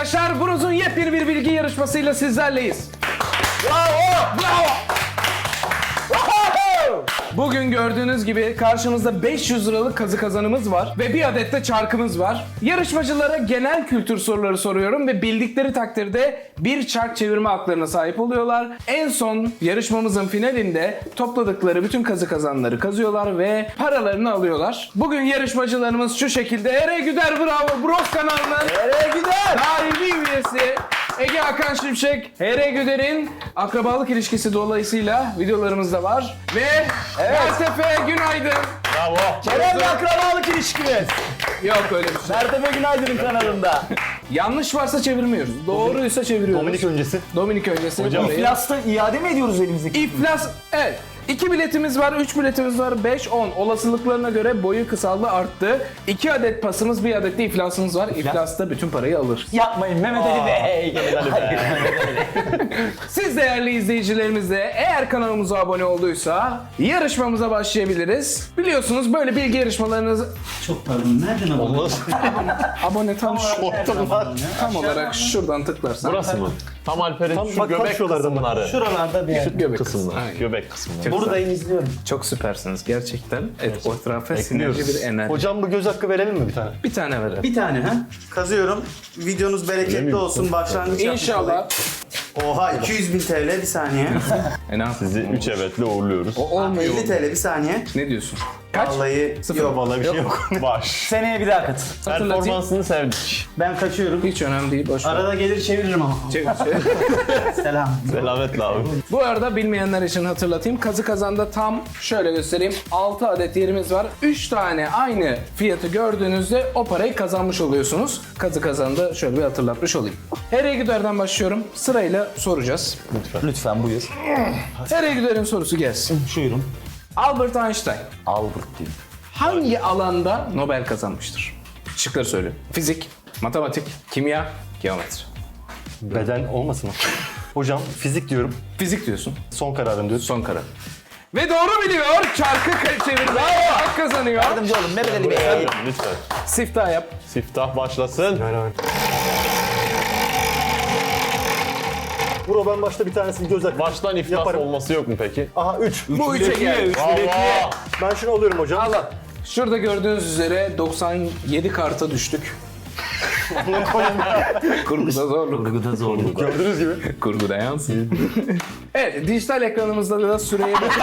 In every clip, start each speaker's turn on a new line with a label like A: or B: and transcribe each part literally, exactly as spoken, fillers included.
A: arkadaşlar, Broz'un yepyeni bir bilgi yarışmasıyla sizlerleyiz. Bravo! Bravo! Bugün gördüğünüz gibi karşımızda beş yüz liralık kazı kazanımız var ve bir adet de çarkımız var. Yarışmacılara genel kültür soruları soruyorum ve bildikleri takdirde bir çark çevirme haklarına sahip oluyorlar. En son yarışmamızın finalinde topladıkları bütün kazı kazanları kazıyorlar ve paralarını alıyorlar. Bugün yarışmacılarımız şu şekilde: Ere Güder Bravo Bros kanalının
B: Ere Güder
A: daimi üyesi Ege Hakan Şimşek, Ere Güder'in akrabalık ilişkisi dolayısıyla videolarımızda var ve Mertefe Günaydın.
C: Bravo.
B: Kerem'le akrabalık ilişkimiz.
A: Yok öyle bir şey.
B: Mertefe Günaydın'ın kanalında.
A: Yanlış varsa çevirmiyoruz. Doğruysa çeviriyoruz.
C: Dominik öncesi.
A: Dominik öncesi.
C: Hocam,
A: Orayı-
B: İflas'ta iade mi ediyoruz elimizdeki?
A: İflas, evet. İki biletimiz var, üç biletimiz var, beş, on. Olasılıklarına göre boyu kısaldı, arttı. İki adet pasımız, bir adet de iflasımız var. İflasta bütün parayı alır.
B: Yapmayın Mehmet Ali Bey. Hayır, Mehmet Ali Bey.
A: Siz değerli izleyicilerimiz de eğer kanalımıza abone olduysa yarışmamıza başlayabiliriz. Biliyorsunuz böyle bilgi yarışmalarınız...
D: Çok pardon, nereden abone?
C: Olmaz.
A: Abone tam şu, tam olarak şuradan tıklarsan.
C: Burası mı? Tam Alper'in
D: Tam
C: şu
D: bak,
C: göbek
D: bak şuralardan bak.
C: kısımları.
D: Şuralarda bir yer.
A: Göbek
C: Kısımlar.
A: Aynen.
C: Göbek kısımları.
D: Buradayım, izliyorum.
A: Çok süpersiniz gerçekten. Evet, o etrafa
C: Bekliyoruz.
A: sinerji bir enerji.
D: Hocam bu göz hakkı verelim mi bir tane?
A: Bir tane verelim.
D: Bir tane ha? Kazıyorum. Videonuz bereketli olsun. Başlangıç yapmış
A: İnşallah.
D: olayım. Oha iki yüz bin T L bir saniye.
A: E ne yapsın?
C: Sizi üç evetle uğurluyoruz.
A: O olmuyor.
D: elli T L bir saniye.
A: Ne diyorsun? Kaç?
D: Vallahi
A: Sıfır.
D: yok.
C: Vallahi bir şey yok. Baş.
B: Seneye bir daha katıl.
A: Hatırlatayım.
C: Performansını sevdik.
D: Ben kaçıyorum.
A: Hiç önemli değil. Boş ver.
D: Arada gelir çeviririm ama.
A: Çevir, çevir.
D: Selam.
C: Selametle abi.
A: Bu arada bilmeyenler için hatırlatayım. Kazı Kazan'da tam şöyle göstereyim. altı adet yerimiz var. üç tane aynı fiyatı gördüğünüzde o parayı kazanmış oluyorsunuz. Kazı Kazan'da şöyle bir hatırlatmış olayım. Ere Güder'den başlıyorum. Sırayla soracağız.
B: Lütfen buyur.
A: Ere Güder'in sorusu gelsin.
B: Buyurun.
A: Albert Einstein
B: Albert diyeyim.
A: hangi alanda Nobel kazanmıştır? Şıkları söyleyeyim. Fizik, matematik, kimya, geometri.
D: Beden olmasın o. Hocam fizik diyorum.
A: Fizik diyorsun.
D: Son kararım diyorsun.
A: Son karar. Ve doğru biliyor. Çarkı çevirdi. Hak kazanıyor.
B: Yardımcı olun Mehmet Ali Bey.
C: Lütfen.
A: Siftah yap.
C: Siftah başlasın.
D: Bro ben başta bir tanesini göz hakkı
C: Baştan iflas
D: yaparım.
C: olması yok mu peki?
D: Aha üç.
A: Bu üçe geldi.
C: Allah!
D: Ben şunu alıyorum hocam.
A: Allah. Şurada gördüğünüz üzere doksan yedi karta düştük. Kurguda zorluk.
B: Kurguda zorluk.
D: Gördüğünüz gibi.
A: Kurguda yansın. Evet, dijital ekranımızda da süreye bak-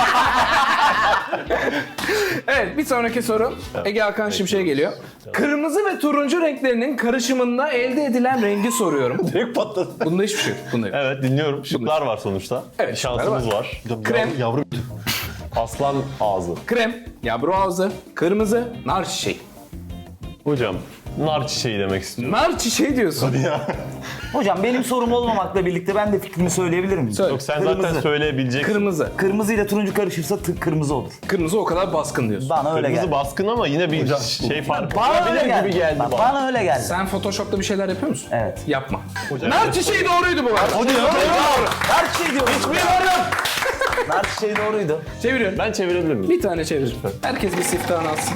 A: Evet, bir sonraki soru Ege Hakan Şimşek'e geliyor. Kırmızı ve turuncu renklerinin karışımında elde edilen rengi soruyorum.
D: Direkt patladı.
A: Bunda hiçbir şey yok. Bunda yok.
C: Evet dinliyorum. Şıklar var sonuçta.
A: Evet, şıklar
C: Şansımız
A: var.
C: var.
A: Krem,
D: Yavrum.
C: Aslan ağzı.
A: krem, yabru ağzı, kırmızı, nar çiçeği.
C: Hocam nar çiçeği demek istiyorum.
A: Nar çiçeği diyorsun.
B: Hocam benim sorum olmamakla birlikte ben de fikrimi söyleyebilir miyim?
A: Söyle.
C: Yok sen
B: Kırmızı.
C: zaten söyleyebileceksin.
A: Kırmızı.
B: Kırmızı ile turuncu karışırsa tı- kırmızı olur.
A: Kırmızı o kadar baskın diyorsun.
B: Bana öyle
C: Kırmızı
B: geldi.
C: baskın ama yine bir şey farkı
B: Bana öyle
C: olabilir
B: geldi.
C: gibi geldi
B: Bak,
C: bana.
B: bana öyle geldi.
A: Sen Photoshop'ta bir şeyler yapıyor musun?
B: Evet.
A: Yapma. Nar çiçeği doğruydu bu arada.
B: Hadi Nar çiçeği diyorum. Hiçbir Nar çiçeği doğruydu.
A: Çeviriyorum.
C: Ben çevirebilir miyim?
A: Bir tane çevir. Herkes bir siftahını alsın.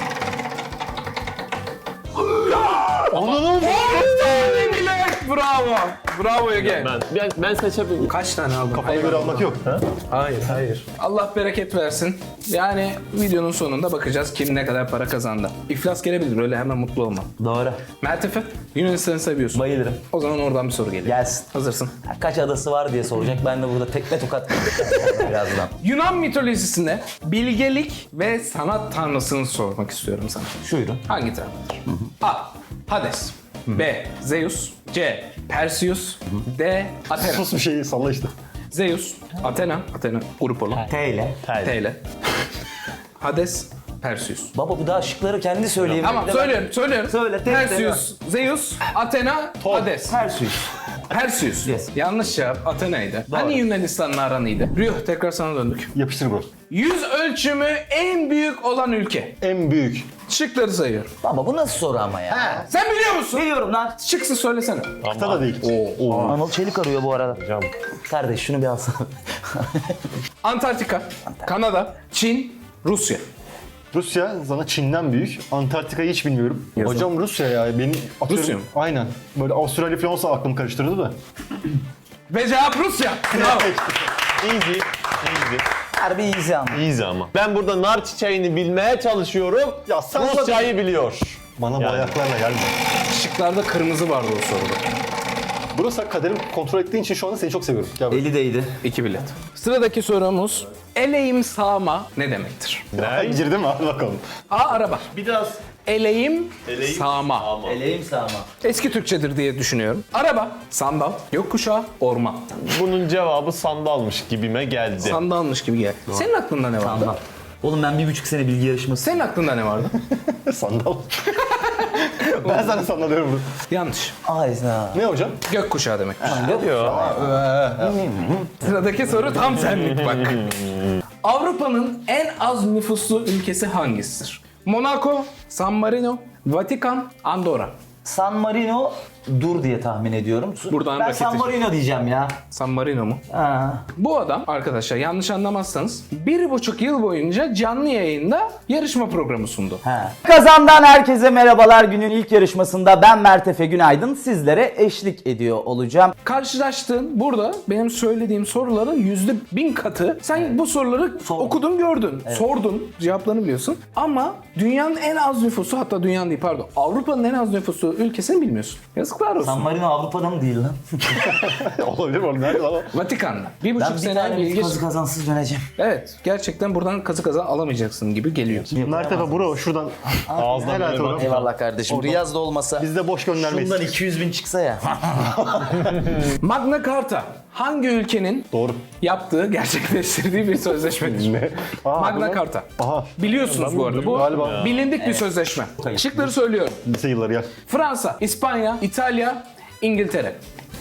C: Anladım.
A: Tane bile. Bravo. Bravo Ege.
C: Ben, ben, ben seçebilirim.
A: Kaç tane aldın?
D: Kafana
A: Hayır,
D: göre
A: alma.
D: almak yok.
A: Hayır, hayır. Allah bereket versin. Yani videonun sonunda bakacağız kim ne kadar para kazandı. İflas gelebilir, öyle hemen mutlu olma.
B: Doğru.
A: Mertefe, Yunanistan'ı seviyorsun.
B: Bayılırım.
A: O zaman oradan bir soru geliyor.
B: Gelsin.
A: Hazırsın.
B: Kaç adası var diye soracak. Ben de burada tekme tokat birazdan.
A: Yunan mitolojisinde bilgelik ve sanat tanrısını sormak istiyorum sana.
B: Şuydu.
A: Hangi tanrıdır? A. Hades. B. Zeus. C. Perseus. D. Athena.
D: Sus bir şeyi salla işte.
A: Zeus, Athena, Athena grup olan.
B: T ile.
A: T ile. Hades, Perseus.
B: Baba bu daha şıkları kendi söyleyeyim.
A: Tamam
B: Bir de ben-
A: söylüyorum, söylüyorum.
B: Söyle, tek
A: Perseus, Zeus, Athena, Hades.
B: Perseus.
A: Perseus.
B: Yes.
A: Yanlış cevap Athena'ydı. Hani Yunanistan'la aranıydı? Rüh, tekrar sana döndük.
D: Yapıştır bro.
A: Yüz ölçümü en büyük olan ülke.
D: En büyük.
A: Şıkları sayıyorum.
B: Baba bu nasıl soru ama ya?
A: Sen biliyor musun?
B: Biliyorum lan.
A: Şıksız söylesene.
D: Kıta da değil.
B: Anıl Çelik arıyor bu arada.
C: Hocam.
B: Kardeş şunu bir alsana.
A: Antarktika, Kanada, Çin, Rusya.
E: Rusya sana Çin'den büyük. Antarktika'yı hiç bilmiyorum. Hocam Rusya ya. Benim atıyorum.
A: Rusya mı?
E: Aynen. Böyle Avustralya falan olsa aklımı karıştırdı da.
A: Ve cevap Rusya. Bravo.
C: Easy. Easy.
B: Harbi easy ama.
C: Easy ama. Ben burada nar çiçeğini bilmeye çalışıyorum.
E: Ya sen
C: Rusçayı biliyor.
E: Bana bu
C: Yani.
E: ayaklarla gelme.
A: Şıklarda kırmızı vardı o soruda.
E: Burası kaderimi kontrol ettiğin için şu anda seni çok seviyorum. Gel buraya.
B: Eli değdi.
A: İki bilet. Sıradaki sorumuz eleğim sağma ne demektir?
C: Ne?
E: Girdi mi? Hadi bakalım.
A: A. Araba.
C: Biraz
A: Eleğim,
C: Eleğim
A: sağma.
C: ama.
B: Eleğim sağma.
A: Eski Türkçedir diye düşünüyorum. Araba, sandal, gökkuşağı, orman.
C: Bunun cevabı sandalmış gibime geldi.
A: Sandalmış gibi geldi. Senin aklında ne vardı?
B: Sandal. Oğlum ben bir buçuk sene bilgi yarışması.
A: Senin aklında ne vardı?
E: Sandal. Ben sana sandal diyorum bunu.
A: Yanlış.
B: Ayza.
E: Ne hocam?
A: Gökkuşağı demek.
C: Ne diyor?
A: Sıradaki soru tam senlik bak. Avrupa'nın en az nüfuslu ülkesi hangisidir? Monaco, San Marino, Vatikan, Andorra.
B: San Marino dur diye tahmin ediyorum.
A: Buradan
B: ben
A: raketi-
B: San Marino diyeceğim ya.
A: San Marino mu?
B: Ha.
A: Bu adam arkadaşlar yanlış anlamazsanız bir buçuk yıl boyunca canlı yayında yarışma programı sundu.
B: Ha. Kazandan herkese merhabalar. Günün ilk yarışmasında ben Mert Efe Günaydın sizlere eşlik ediyor olacağım.
A: Karşılaştığın burada benim söylediğim soruların yüzde bin katı. Sen bu soruları okudun gördün, sordun, cevaplarını biliyorsun. Ama dünyanın en az nüfusu, hatta dünyanın değil pardon, Avrupa'nın en az nüfusu ülkesini bilmiyorsun. Yazıklar olsun.
B: San Marino Avrupa'da mı değil lan?
E: Olabilir mi oğlum? Nerede lan o?
A: Vatikan'da. Bir
B: Ben
A: buçuk
B: bir
A: sene
B: tane
A: bilgi...
B: kazı kazansız döneceğim.
A: Evet, gerçekten buradan kazı kazan alamayacaksın gibi geliyor.
E: Mert Efe bro şuradan.
C: Ağızdan
E: Helal
C: böyle
E: oğlum.
C: bak.
B: Eyvallah kardeşim. Riyaz da olmasa
E: Biz de boş göndermeyiz.
B: şundan iki yüz bin çıksa ya.
A: Magna Carta hangi ülkenin
E: Doğru.
A: yaptığı, gerçekleştirdiği bir sözleşmedir?
E: Ne? Aa,
A: Magna
E: bu ne?
A: Carta.
E: Aha.
A: Biliyorsunuz bu arada. Bu
E: Galiba.
A: bilindik bir sözleşme. Şıkları söylüyorum.
E: Lise yılları gel.
A: Fransa, İspanya, İtalya, İngiltere.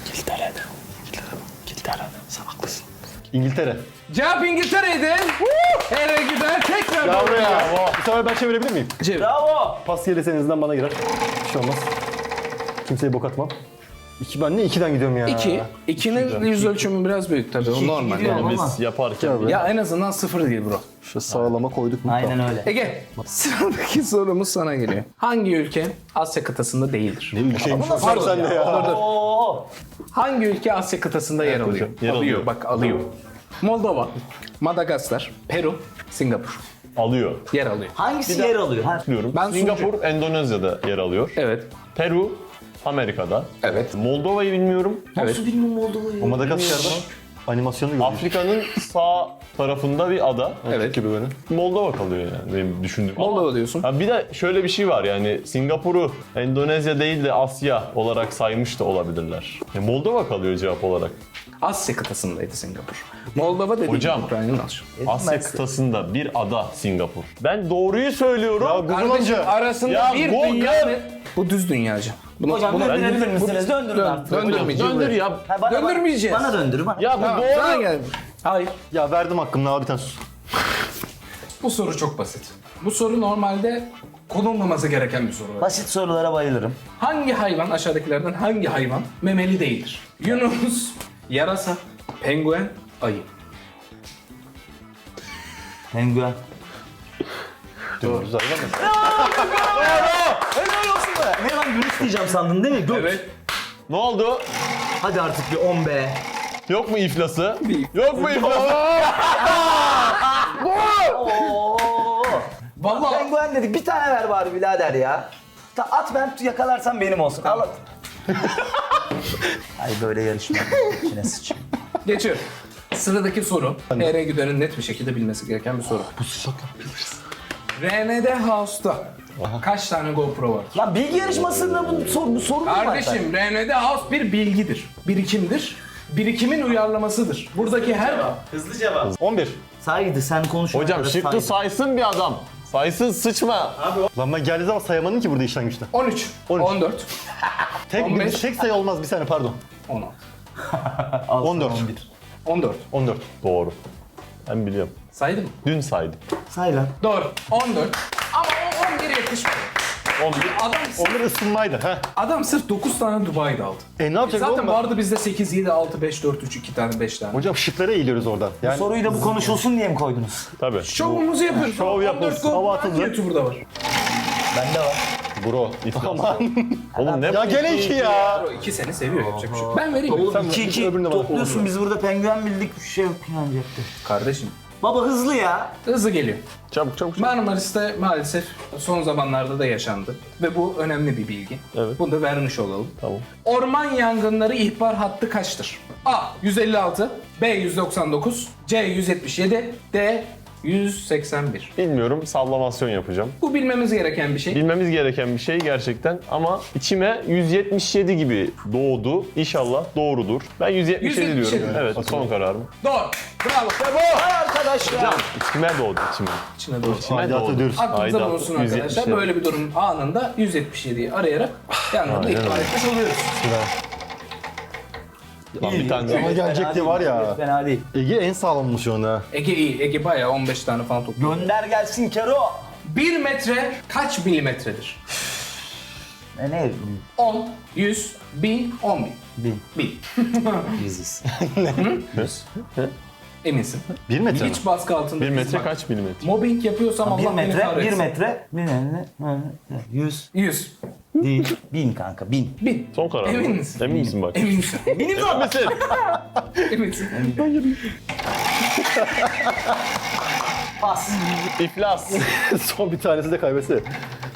E: İngiltere.
A: Cevap İngiltere'ydi. Eve gider tekrar
E: Ya
A: doğru
E: buraya.
A: cevap.
E: Bu sefer ben çevirebilir miyim?
A: Çevir.
B: Bravo.
E: Pas gelirse en azından bana girer. Bir şey olmaz. Kimseye bok atmam. İki, ben ne ikiden gidiyorum ya?
A: İki. İkinin yüz ölçümü biraz büyük tabii. O normal.
B: gidiyor
A: Yani.
B: ama.
C: Biz yaparken.
A: Ya en azından sıfır değil bro.
E: Şu sağlama koyduk mu?
B: Aynen öyle.
A: Ege, sıradaki sorumuz sana geliyor. Hangi ülke Asya kıtasında değildir?
E: Ne ülkeymiş o
A: Pardon
E: sen de ya.
A: Dur, dur.
B: Oo.
A: Hangi ülke Asya kıtasında yer alıyor?
C: yer
A: alıyor.
C: alıyor.
A: Bak alıyor. Moldova, Madagaskar, Peru, Singapur
C: Alıyor.
A: yer alıyor.
B: Hangisi yer alıyor? Ha?
C: Diyorum.
A: Ben
C: Singapur, Endonezya'da yer alıyor.
A: Evet.
C: Peru, Amerika'da.
A: Evet.
C: Moldova'yı bilmiyorum.
A: Evet.
B: Nasıl bilmiyorum Moldova'yı?
E: O Madagaskar'da animasyonu görüyoruz.
C: Afrika'nın sağ tarafında bir ada.
A: Evet.
E: gibi böyle.
C: Moldova kalıyor yani benim düşündüğüm.
A: Moldova diyorsun.
C: Ha bir de şöyle bir şey var yani Singapur'u Endonezya değil de Asya olarak saymış da olabilirler. E, Moldova kalıyor cevap olarak.
A: Asya kıtasındaydı Singapur. Moldova dediğim
C: Hocam.
A: Ukrayna'nın aşağı.
C: Asya kıtasında bir ada Singapur. Ben doğruyu söylüyorum.
E: Ya Google
A: Kardeşim
E: amca.
A: arasında
C: Ya
A: bir
C: Google.
A: dünya ve... Bu düz dünyacı. Bunu,
B: Hocam
A: bunu-
B: döndürebilir misiniz? Döndürün
A: Dön-
B: artık.
A: döndürmeyeceğim.
C: Döndür ya.
B: Ha, bana,
A: Döndürmeyeceğiz.
B: Bana döndür. Bana.
C: Ya bu
A: Tamam,
C: doğru.
A: sana geldi. Hayır.
E: Ya verdim hakkımı abi bir tane sus.
A: Bu soru çok basit. Bu soru normalde konulmaması gereken bir soru.
B: Basit sorulara bayılırım.
A: Hangi hayvan, aşağıdakilerden hangi hayvan memeli değildir? Yunus, yarasa, penguen, ayı.
B: Penguen.
E: Doğru. Güzel.
B: Helal olsun be. Ne lan Yunus diyeceğim sandın değil mi? Göt.
A: Evet.
C: Ne oldu?
B: Hadi artık bir on be.
C: Yok mu iflası? Yok mu iflası?
B: Oo.
A: Vallahi
B: Penguen dedik. Bir tane ver bari birader ya. Ta at ben yakalarsam benim olsun. Al at. Ay böyle yarışma. İçine sıçayım.
A: geçiyorum. Sıradaki soru. H R Güder'in net bir şekilde bilmesi gereken bir soru. Bu sıcakla biliriz. R N D House'da kaç tane GoPro var?
B: Lan bilgi yarışmasında bu, sor, bu soru mu var?
A: Kardeşim R N D House bir bilgidir, birikimdir. Birikimin uyarlamasıdır. Buradaki her...
E: on bir.
B: Saydı sen konuş.
C: Hocam şıkkı saysın bir adam. Saysın sıçma.
E: Lan ben geldiği zaman sayamadın ki burada işten güçten.
A: on üç,
E: on üç.
A: on dört,
E: Tek,
A: on beş.
E: tek sayı olmaz bir saniye pardon.
A: on altı,
E: on dört.
A: on dört.
E: on dört.
C: Doğru. Ben biliyorum.
A: Saydım mı?
C: Dün saydım.
B: Say lan.
A: Doğru. on dört. Ama o on bir yetişmedi.
C: on bir.
A: Adam,
E: Onlar ısınmaydı. Heh.
A: adam sırf dokuz tane Dubai'de aldı.
E: E ne yapacak
A: Zaten
E: oğlum?
A: vardı bizde sekiz, yedi, altı, beş, dört, üç, iki tane, beş tane.
E: Hocam şıklara eğiliyoruz oradan. Yani
B: Soruyu da bu konuşulsun diye mi koydunuz?
C: Tabii.
A: Şovumuzu yapıyoruz.
C: Şov yapıyoruz.
E: Hava atıldı.
A: YouTuber'da var.
B: Bende var.
E: bro.
C: Aman. Oğlum ne
E: Ya gene iki ya.
A: O iki seni seviyor, yapacak bir şey yok. Ben vereyim mi?
B: Oğlum
E: Sen
B: iki iki
E: öbürüne bak.
B: topluyorsun, biz burada penguen bildik, bir şey yok yani cepte.
A: Kardeşim,
B: Baba hızlı ya.
A: hızlı geliyor.
C: Çabuk çabuk. çabuk.
A: Marmaris'te maalesef son zamanlarda da yaşandı. Ve bu önemli bir bilgi.
C: Evet.
A: Bunu da vermiş olalım.
C: Tamam.
A: Orman yangınları ihbar hattı kaçtır? A. yüz elli altı, B. yüz doksan dokuz, C. yüz yetmiş yedi, D. yüz seksen bir.
C: Bilmiyorum, sallamasyon yapacağım.
A: Bu bilmemiz gereken bir şey.
C: Bilmemiz gereken bir şey gerçekten ama içime yüz yetmiş yedi gibi doğdu. İnşallah doğrudur. Ben yüz yetmiş yedi
A: yüz yetmiş yedi.
C: diyorum. Evet, son kararım.
A: Doğru. Bravo. Ve bu.
B: Arkadaşlar.
C: İçime doğdu, içime.
A: İçine doğru.
C: İçime
E: Aidatı
C: doğdu.
E: ödüyoruz.
A: Aklınıza
C: Aidat,
A: bulunsun
C: yüz yetmiş
A: arkadaşlar.
C: yedi.
A: Böyle bir durum anında yüz yetmiş yediyi arayarak yangını
C: Aynen
A: ihbar
C: öyle.
A: etmiş oluyoruz.
C: Lan bir tane
E: Ama
C: daha.
E: gelecekti var ya.
B: Fena değil.
E: Ege en sağlammış şu anda.
A: Ege iyi. Ege bayağı on beş tane falan topluyor.
B: Gönder gelsin Kero.
A: bir metre kaç milimetredir?
B: E ne?
A: on, yüz, bin, on bin.
B: Bin.
A: Bin.
B: Biziz.
A: Eminsin.
E: Bir metre mi?
A: Hiç baskı altında.
C: Bir
A: biz
C: metre
A: bak.
C: kaç milimetre?
A: Mobbing yapıyorsam
B: Bir
A: Allah beni
B: metre, bir
A: kahretsin.
B: metre, bir metre, yüz
A: yüz.
B: değil, bin kanka, bin.
A: bin.
C: Son karar.
A: Emin misin?
C: Emin misin bak?
A: Eminsin.
B: Benim de
C: Misin?
A: Eminsin.
B: pas.
C: İflas.
E: Son bir tanesi de kaybetse.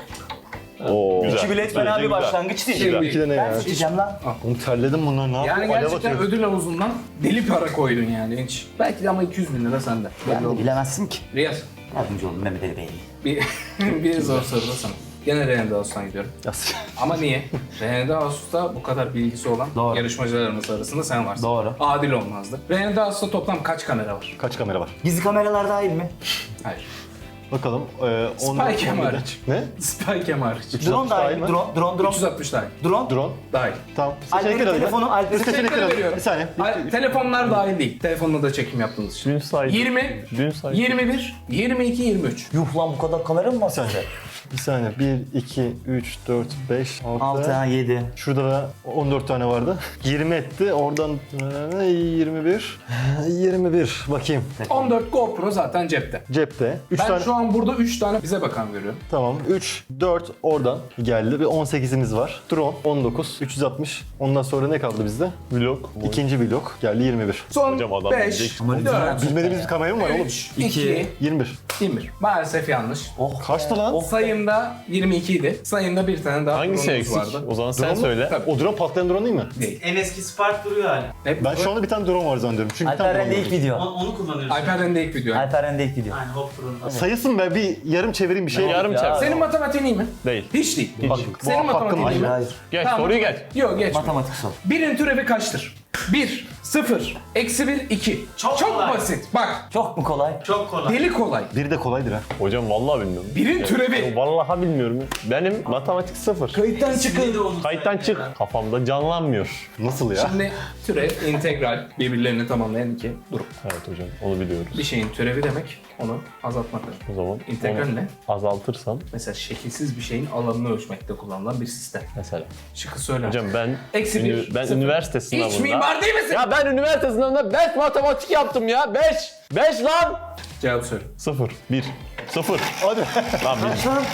C: Oo, güzel.
B: İki bilet fena bir
C: Güzel.
B: başlangıç değil.
A: Şimdi-
E: İki de ne ya?
B: Ben içeceğim lan.
E: Oğlum terledim bunlar ne
A: Yani
E: yapıyor? Alev
A: gerçekten
E: atıyor.
A: ödül havuzundan deli para koydun yani hiç. Belki de ama iki yüz bin lira sende.
B: Ben de bilemezsin ki.
A: Riyaz.
B: Yardımcı olun Mehmet Ali Bey.
A: Bir, bir zor soru da sana. Gene Reyhan Dağus'tan gidiyorum.
E: Ya,
A: Ama niye? Reyhan Dağus'ta bu kadar bilgisi olan
B: Doğru.
A: yarışmacılarımız arasında sen varsın.
B: Doğru.
A: Adil olmazdı. Reyhan Dağus'ta toplam kaç kamera var?
E: Kaç kamera var?
B: Gizli kameralar dahil mi?
A: Hayır.
E: Bakalım. Ee,
A: Spy cam hariç.
E: Ne?
A: Spycam hariç.
B: Drone
E: dahil
B: dahil
E: mi?
B: Drone, drone, drone.
A: üç yüz altmış dahil.
B: Drone.
E: Drone.
A: Dahil.
E: Tamam.
B: Alper'in
E: Seçenekleri alayım.
B: telefonu, Alper'in
E: Seçenekleri
A: Seçenekleri
E: alayım.
A: veriyorum.
E: Bir saniye.
A: Ay, telefonlar dahil değil. Telefonla da çekim yaptığınız için.
C: Dün saydım.
A: yirmi,
C: Dün saydım.
A: yirmi bir, yirmi iki, yirmi üç.
B: Yuh lan bu kadar kamera mı var sende?
E: Bir saniye. bir, iki, üç, dört, beş,
B: altı,
E: altı.
B: yedi.
E: Şurada da on dört tane vardı. yirmi etti. Oradan e, yirmi bir. yirmi bir. Bakayım.
A: on dört GoPro zaten cepte.
E: Cepte. üç
A: Ben
E: tane.
A: şu an burada üç tane bize bakan görüyorum.
E: Tamam. üç, dört oradan geldi. Bir on sekizimiz var. Drone on dokuz, üç yüz altmış. Ondan sonra ne kaldı bizde?
C: Vlog.
E: İkinci blok geldi yirmi bir.
A: Son
C: Hocam adam
A: beş,
C: bilecek.
A: dört,
E: Bilmediğimiz bir kamera mı var oğlum?
A: üç, iki,
E: yirmi bir.
A: yirmi bir. Maalesef yanlış.
B: Oh.
E: Kaçtı lan?
A: Sayımda yirmi iki idi. Sayımda bir tane daha
C: Hangisi
A: drone'umuz
C: eksik?
A: vardı.
C: O zaman sen
E: Drone mu?
C: söyle.
A: Tabii.
E: O drone patlayan drone değil mi?
A: Değil.
D: En eski Spark duruyor hala.
A: Hep
E: Ben şu anda bir tane drone var zannediyorum. Çünkü bir tane
B: Alper
E: drone
B: Rende ilk
E: var.
B: video.
D: Onu, onu kullanıyoruz.
A: Alper'den de ilk video.
B: Alper Rende ilk video.
D: Aynen Hop Pro'nun.
E: Sayısın be bir yarım çevireyim bir şey.
C: Yarım
B: Ya.
C: çarpı.
A: Senin matematiğin iyi mi?
C: Değil.
A: Hiç değil.
E: Bak,
A: Senin
E: bu hakkım
A: matematiğin
E: var.
A: iyi mi?
B: Hayır.
C: Geç
A: Tamam.
C: soruyu geç.
A: Yok geç.
B: Matematik sor.
A: Birin türevi kaçtır? bir, sıfır, eksi bir, iki.
D: Çok
A: Çok
D: kolay.
A: basit. Bak,
B: Çok mu kolay?
D: Çok kolay.
A: deli kolay.
E: Biri de kolaydır ha.
C: Hocam vallahi bilmiyorum.
A: Birin türevi.
C: Ya, Vallahi bilmiyorum. Benim matematik sıfır.
A: Kayıttan
D: Şimdi de
A: çıkın.
D: onu
C: Kayıttan
D: söyle
C: çık.
D: ya.
C: Kafamda canlanmıyor.
E: Nasıl ya?
A: Şimdi türev, integral birbirlerini tamamlayan iki durum.
C: Evet hocam onu biliyoruz.
A: Bir şeyin türevi demek onu azaltmaktır.
C: O zaman
A: İntegral
C: onu
A: ne?
C: azaltırsam
A: Mesela şekilsiz bir şeyin alanını ölçmekte kullanılan bir sistem.
C: mesela.
A: Şıkkı söyle.
C: Hocam ben
A: Eksi bir,
C: ünü- ben
A: sıfır.
C: üniversite sınavında.
A: Hiç mimar değil misin?
C: Ya ben üniversite sınavında beş matematik yaptım ya. beş. beş lan.
A: Cevap söyle.
C: sıfır. bir. sıfır.
E: Hadi.
C: Lan bir.
B: Lan.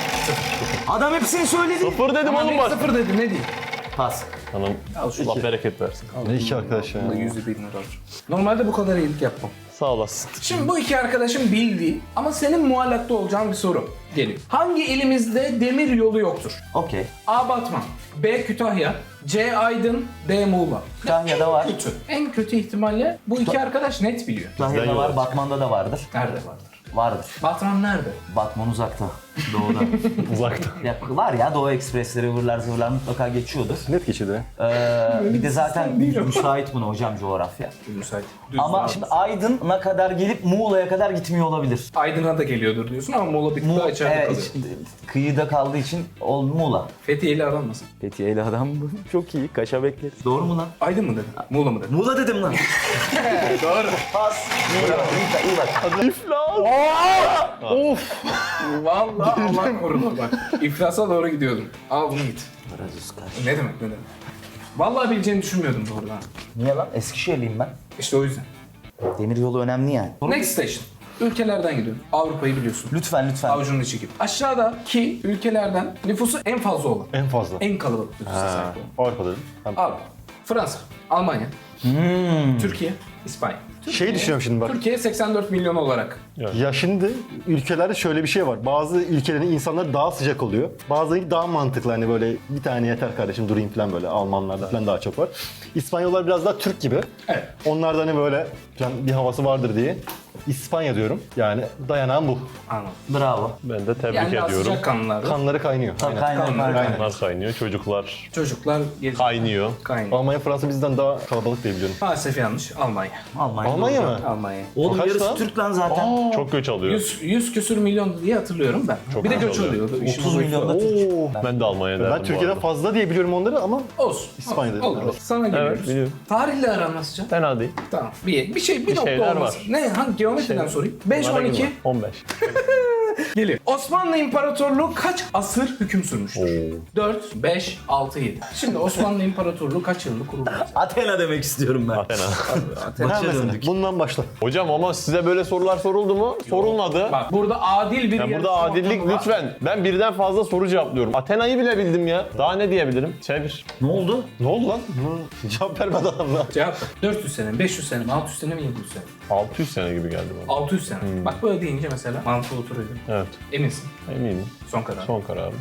B: Adam hepsini söyledi.
C: sıfır dedim
A: Ama
C: oğlum
A: bir
C: bak.
A: sıfır dedi ne diyeyim?
B: Pas.
C: Tamam. Allah bereket versin.
E: Ne iki arkadaş ya.
A: Bunda yüzü bin lira var. Normalde bu kadar iyilik yapmam.
C: Sağ olasın.
A: Şimdi bu iki arkadaşın bildiği ama senin muallakta olacağın bir soru geliyor. Hangi ilimizde demir yolu yoktur?
B: Okey.
A: A. Batman, B. Kütahya, C. Aydın, D. Muğla.
B: Kütahya'da var.
A: Kötü. En kötü ihtimalle bu iki arkadaş net biliyor.
B: Kütahya'da
C: Bizden
B: var,
C: yola
B: Batman'da da vardır.
A: Nerede vardır?
B: Vardır.
A: Batman nerede?
B: Batman uzakta. Doğuda.
C: Uzakta.
B: ya, var ya Doğu Ekspresleri, ıvırlar zıvırlar mutlaka geçiyordur.
E: Net geçirdi.
B: Ee, bir de zaten müsait buna hocam coğrafya.
A: Müsait. Düz
B: Ama
A: var.
B: şimdi Aydın'a kadar gelip Muğla'ya kadar gitmiyor olabilir.
A: Aydın'a da geliyordur diyorsun ama Muğla bir tık daha
B: Mu
A: içeride
B: evet,
A: kalıyor.
B: iç- kıyıda kaldığı için ol Muğla.
A: Fethiye ile aranmasın.
B: Fethiye'li adam çok iyi, kaşa bekleriz. Doğru mu lan?
A: Aydın mı dedin? Muğla mı dedin?
B: Muğla dedim lan.
A: Doğru.
B: Pas. İyi bak, iyi, iyi bak.
C: İflas. Of.
A: Vallahi Allah korudu bak. İflasa doğru gidiyordum. Al bunu git. Ne demek ne demek. Vallahi bileceğini düşünmüyordum doğrudan.
B: Niye lan? Eskişehirliyim ben.
A: İşte o yüzden.
B: Demir yolu önemli yani.
A: Next station. Ülkelerden gidiyorum. Avrupa'yı biliyorsun.
B: Lütfen lütfen.
A: Avucunun içi gibi. Aşağıdaki ülkelerden nüfusu en fazla olan,
E: En fazla.
A: en kalabalık nüfusa
E: Ha,
A: sahip olan.
E: Avrupa dedim. Tamam.
A: Avrupa, Fransa, Almanya, Türkiye, İspanya.
E: Şey düşünüyorum şimdi bak.
A: Türkiye seksen dört milyon olarak.
E: Ya şimdi ülkelerde şöyle bir şey var. Bazı ülkelerin insanları daha sıcak oluyor. Bazıları daha mantıklı, hani böyle bir tane yeter kardeşim durayım falan böyle. Almanlarda falan daha çok var. İspanyollar biraz daha Türk gibi.
A: Evet.
E: Onlarda hani böyle falan bir havası vardır diye. İspanya diyorum. Yani dayanağım bu.
A: Anladım.
B: Bravo.
C: Ben de tebrik
A: Yani daha
C: ediyorum.
A: sıcak kanlılar.
E: Kanları kaynıyor.
B: Tabii
E: Aynen.
B: kaynar
A: Kanlar,
B: kaynar.
C: Kanlar kaynıyor, çocuklar
A: Çocuklar geziyor.
C: kaynıyor.
A: Kaynıyor.
E: Almanya, Fransa bizden daha kalabalık diye biliyorum.
A: Maalesef yanlış. Almanya.
B: Almanya.
E: Almanya mı?
A: Almanya.
B: Oğlum
E: Kaç
B: yarısı
E: lan?
B: Türk lan zaten.
C: Çok göç alıyor.
A: yüz, yüz küsür milyon diye hatırlıyorum ben.
C: Çok
A: bir de
C: güzel
A: göç
C: oluyor.
A: oluyordu. İşin
B: otuz
A: boyutu
B: milyon da
A: o.
B: Türk.
E: Oo.
C: Ben de Almanya derdim
E: Ben
C: bu
E: Türkiye'den
C: arada.
E: fazla diye biliyorum onları ama
A: Olsun.
E: İspanya dedim.
A: Olur.
E: Evet.
A: Sana geliyoruz.
C: Evet, biliyorum.
A: Tarihle aran nasıl can?
C: Fena değil.
A: Tamam. Bir, bir şey, bir,
C: Bir
A: nokta
C: şeyler
A: olmaz.
C: var.
A: Ne? Hangi geometriden
C: Şey-
A: sorayım? beş,
C: Bana
A: on iki.
C: girme. on beş.
A: Geliyor. Osmanlı İmparatorluğu kaç asır hüküm sürmüştür?
C: Oo.
A: dört, beş, altı, yedi. Şimdi Osmanlı İmparatorluğu kaç yılında kuruldu?
B: Athena demek istiyorum ben.
C: Athena.
E: Ha,
B: Başa
E: mesela.
B: döndük.
E: Bundan başla.
C: Hocam ama size böyle sorular soruldu mu? Sorulmadı.
A: Bak burada adil bir
C: Ya burada
A: yarışma
C: adillik
A: ortamı var.
C: lütfen. Ben birden fazla soru cevaplıyorum. Athena'yı bile bildim ya. Daha ne diyebilirim? Çevir.
B: Ne oldu?
E: Ne oldu lan? Hı, Cevap vermedi adam lan.
A: Cevap dört yüz sene mi, beş yüz sene mi, altı yüz sene mi, yedi yüz sene mi?
C: altı yüz sene gibi geldi bana.
A: altı yüz sene. Bak böyle deyince mesela mantığı oturuyor.
C: Evet.
A: Eminsin.
C: Eminim.
A: Son karar.
C: Son kararım.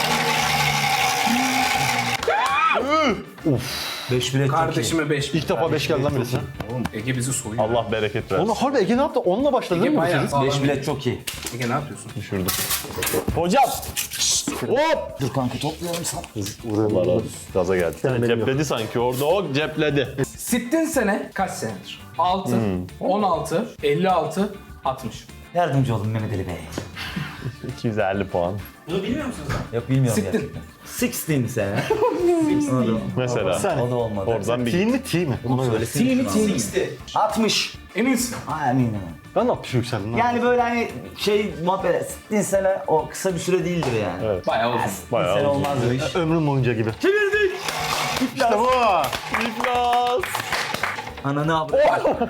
B: beş bilet çok iyi.
A: Kardeşime beş.
E: İlk defa beş geldi lan birisi.
A: Oğlum Ege bizi soyuyor.
C: Allah bereket versin.
E: Oğlum harbi Ege ne yaptı? Onunla başladı değil
A: Ege
E: mi bu
A: bayağı
E: çocuk?
A: sağlam.
B: beş bilet çok iyi.
A: Ege ne yapıyorsun?
C: Düşürdüm. Hocam. Hop.
B: Dur kanka toplayalım sana.
C: Allah razı olsun. Gaza geldi. Cepledi sanki orada o cepledi.
A: Sittin sene kaç senedir? altı, on altı, elli altı, altmış.
B: Yardımcı olun Mehmet Ali Bey.
C: iki yüz elli puan.
A: Bunu bilmiyor musunuz lan?
B: Yok bilmiyorum
A: Sittin.
B: gerçekten. Sixteen sene. O da-
C: Mesela.
E: Sen.
B: O da olmadı.
C: Oradan bir
E: T mi T mi? Ona göre.
B: Söylesene
A: T mi
B: şunu
A: T
B: abi.
A: mi?
B: altmış.
A: Eminsin.
B: Ha eminim.
E: Ben altmış yükseldim lan.
B: Yani böyle hani şey muhabbet sittin sene o kısa bir süre değildir yani.
C: Evet.
A: Bayağı uzun.
B: Sittin
C: Bayağı
B: sene
C: uzun.
B: olmaz o iş.
E: Ömrüm boyunca gibi.
B: Çevirdik.
E: İşte bu.
C: İflas.
B: Ana ne yapıyor?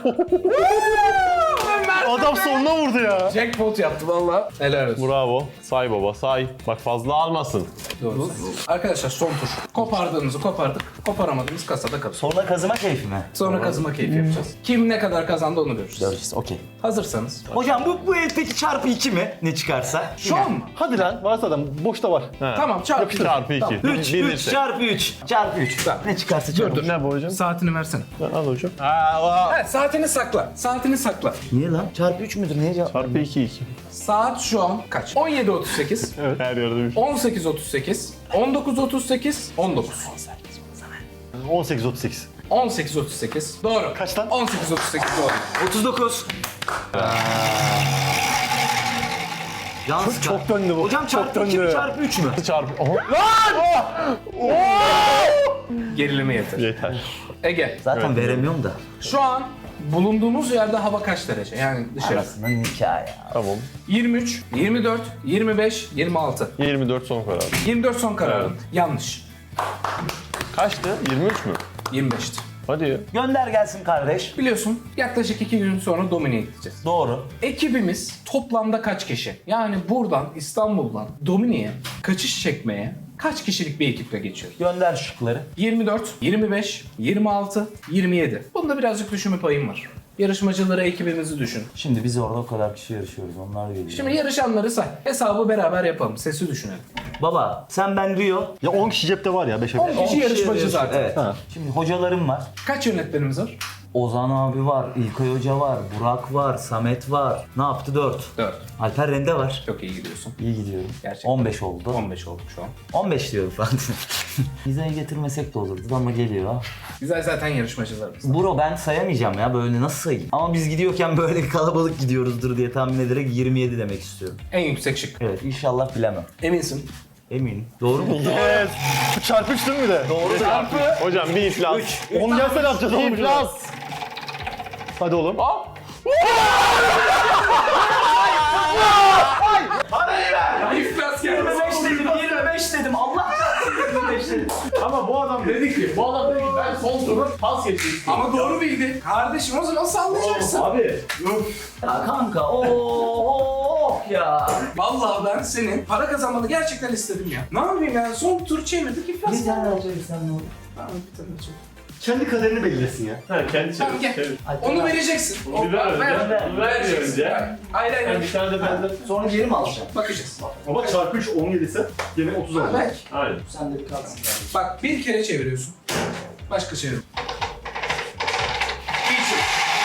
E: Adam sonuna vurdu ya.
A: Jackpot yaptı valla. Helal olsun.
C: Bravo. Say baba say. Bak fazla almasın.
A: Doğru. Arkadaşlar son tur. Kopardığımızı kopardık. Koparamadığımız kasada kalır.
B: Sonra kazıma keyfi mi?
A: Sonra kazıma keyfi yapacağız. Kim ne kadar kazandı onu göreceğiz.
B: Göreceğiz okey.
A: Hazırsanız.
B: Hocam bu, bu elteki çarpı iki mi? Ne çıkarsa?
A: Şu an mı?
E: Hadi lan varsa adam boşta var.
C: He.
A: Tamam çarpı.
C: Çarpı iki.
A: Tamam.
B: üç, üç çarpı üç. Çarpı üç.
A: Tamam.
B: Ne çıkarsa çarpı.
C: Ne bu hocam?
A: Saatini versene.
C: Al hocam. Aa,
A: Evet saatini sakla. Saatini sakla.
B: Niye lan? Çarpı üç müdür? Niye cevap?
C: Çarpı iki iki.
A: Saat şu an kaç? on yedi otuz sekiz,
C: Evet. Her yerde bir
A: on sekiz otuz sekiz, on dokuz otuz sekiz, on dokuz.
E: on sekiz otuz sekiz.
A: on sekiz otuz sekiz. Doğru.
E: Kaç lan?
A: on sekiz otuz sekiz doğru.
B: otuz dokuz. Can sıkar.
E: Çok döndü bu.
B: Hocam çarpı
E: Çok
B: iki mi
E: döndü.
B: çarpı üç mü?
C: çarpı. Oha.
A: Gerilimi yeter.
C: Yeter.
A: Ege,
B: Zaten veremiyorum da.
A: şu an bulunduğumuz yerde hava kaç derece? Yani dışarı.
B: Arasında nikah ya.
C: Tamam.
A: yirmi üç, yirmi dört, yirmi beş, yirmi altı.
C: yirmi dört son karar.
A: yirmi dört son kararın.
C: Evet.
A: Yanlış.
C: Kaçtı? yirmi üç mü?
A: yirmi beşti.
C: Hadi ya.
B: Gönder gelsin kardeş.
A: Biliyorsun yaklaşık iki gün sonra Domine'ye gideceğiz.
B: Doğru.
A: Ekibimiz toplamda kaç kişi? Yani buradan İstanbul'dan Domine'ye kaçış çekmeye kaç kişilik bir ekiple geçiyor?
B: Gönder şıkları.
A: yirmi dört, yirmi beş, yirmi altı, yirmi yedi. Bunda birazcık düşünme payım var. Yarışmacıları ekibimizi düşün.
B: Şimdi biz orada o kadar kişi yarışıyoruz. Onlar geliyor.
A: Şimdi yarışanları say. Hesabı beraber yapalım. Sesi düşünelim.
B: Baba sen ben Rio.
E: Ya on kişi cepte var ya beşe
A: on
E: beş.
A: kişi yarışmacı
B: yarışıyor.
A: zaten.
B: Evet.
E: Ha.
B: Şimdi hocalarım var.
A: Kaç yönetmenimiz var?
B: Ozan abi var, İlkay Hoca var, Burak var, Samet var. Ne yaptı? dört.
A: dört.
B: Alper Rende var.
A: Çok iyi gidiyorsun.
B: İyi gidiyorum.
A: Gerçekten.
B: on beş oldu.
A: on beş olduk şu an.
B: on beş diyorum falan. Vizayı getirmesek de olurdu ama geliyor.
A: Güzel zaten yarışmacılarımız.
B: Bro ben sayamayacağım ya böyle nasıl sayayım? Ama biz gidiyorken böyle kalabalık gidiyoruzdur diye tahmin ederek yirmi yedi demek istiyorum.
A: En yüksek şık.
B: Evet inşallah bilemem.
A: Eminsin.
B: Eminim. Doğru mu?
E: Evet. Bu çarpı üç değil mi bir de?
B: Doğru.
A: Çarpı.
C: Hocam bir iflas.
E: on gelse ne yapacağız oğlum?
C: İflas.
E: Hadi oğlum.
A: Hop. Parayı
C: Ama bu adam dedi ki, bu adam dedi ki ben son turu pas geçmek istiyorum.
A: Ama doğru bildi. Kardeşim o zaman sallayacaksın.
C: Abi.
B: Ya kanka ooo ya.
A: Vallahi ben senin para kazanmanı gerçekten istedim ya. Ne yapayım ya? Son tur çevirdik iflas.
B: Bir tane alacağız sen ne olur?
A: Tamam bir tane çok.
E: Kendi kaderini belirlesin ya.
C: Ha kendi
A: Tamam,
C: çevir.
A: gel.
C: çevir.
A: Onu vereceksin.
C: Onu bir ver önce.
A: ver.
C: Onu ver bir önce.
A: Hayır hayır.
C: Yani bir tane de benden.
B: Sonra geri mi alacağım?
A: Bakacağız.
E: Ama çarpı üç on yedi ise gene otuz
A: Ha,
E: olacak.
A: belki.
C: Aynen.
B: Sen de bir kalsın kardeşim.
A: Bak bir kere çeviriyorsun. Başka çevir. İyi çevir.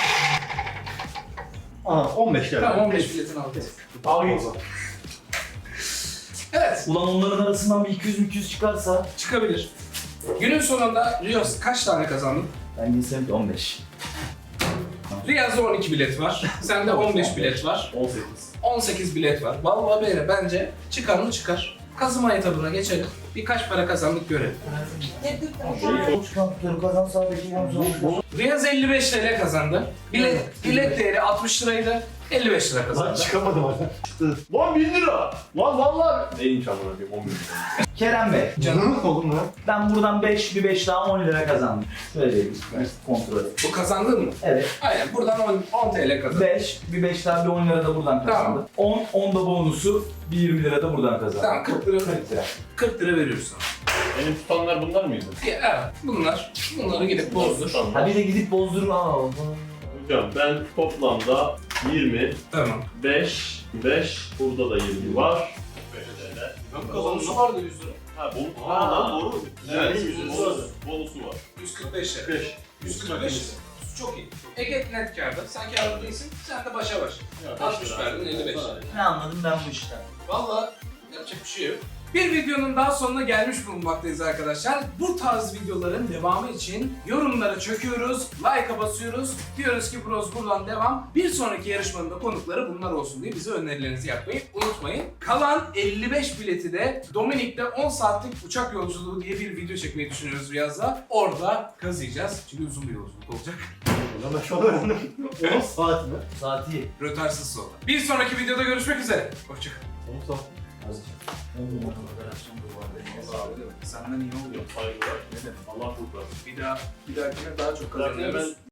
E: Aa on beş geldi.
A: Tamam on beş biletini aldık.
C: Al git.
A: Evet.
B: Ulan onların arasından bir iki yüz iki yüz çıkarsa.
A: Çıkabilir. Günün sonunda Riyaz kaç tane kazandın?
B: Ben bilsem on beş.
A: Riyaz'da on iki bilet var. Sende on beş bilet var.
C: on sekiz.
A: on sekiz bilet var. Vallahi böyle bence çıkar mı çıkar. Kazıma etabına geçelim. Birkaç para kazandık görelim.
B: Çıkartıyorum kazan sağdaki yalnız.
A: Riyaz elli beş T L kazandı. Bilet, bilet değeri altmış liraydı. elli beş lira
E: Lan
A: kazandı.
E: çıkamadım hala.
C: Lan bin lira. Lan vallahi. Neymiş amına koyayım on bin lira.
B: Kerem Bey,
A: Canım
E: Oğlum lan.
B: ben buradan beş, bir beş daha on lira kazandım. Şöyle diyeyim, kontrol et.
A: bu kazandın mı?
B: Evet.
A: Aynen buradan on, on T L kazandın.
B: beş, bir beş daha bir on lira da buradan kazandım. on, on da bonusu, bir yirmi lira da buradan kazandım.
A: Tamam kırk lira,
B: kırk lira.
A: kırk lira veriyoruz sana.
C: Benim tutanlar bunlar mıydı?
A: Ya, evet bunlar. Bunları gidip bozdur.
B: Ha bir de gidip bozdurma. Aa,
C: Hocam ben toplamda yirmi,
A: Tamam.
C: beş, beş, burada da yirmi var.
A: Bonusu vardı yüz lira.
C: Ha bu.
E: Aa, doğru.
C: Evet,
E: yüz lira.
C: bonusu, bonusu var.
A: yüz kırk beş lira.
E: beş.
A: yüz kırk beş lira. Çok iyi. Ege net kârda. Sen kârda değilsin. Sen de başa baş. altmış verdin elli beş.
B: ne anladım ben bu işten?
A: Valla yapacak bir şey yok. Bir videonun daha sonuna gelmiş bulunmaktayız arkadaşlar. Bu tarz videoların devamı için yorumlara çöküyoruz, like'a basıyoruz. Diyoruz ki Bros buradan devam. Bir sonraki yarışmanın da konukları bunlar olsun diye bize önerilerinizi yapmayı unutmayın. Kalan elli beş bileti de Dominik'te on saatlik uçak yolculuğu diye bir video çekmeyi düşünüyoruz Riyaz'la. Orada kazıyacağız. Çünkü uzun bir yolculuk olacak.
E: Ulan ben şu an öğrendim. on saat mi?
B: Saati.
A: Rötarsız sonra. Bir sonraki videoda görüşmek üzere. Hoşçakalın.
E: on saat.
B: Azıcık. on numara operasyon da var.
A: Senden iyi oluyor.
C: Saygılar. Ne demek? Allah kurtarsın.
A: Bir daha, bir dahakine daha çok
C: Zaten
A: kazanıyoruz.
C: ben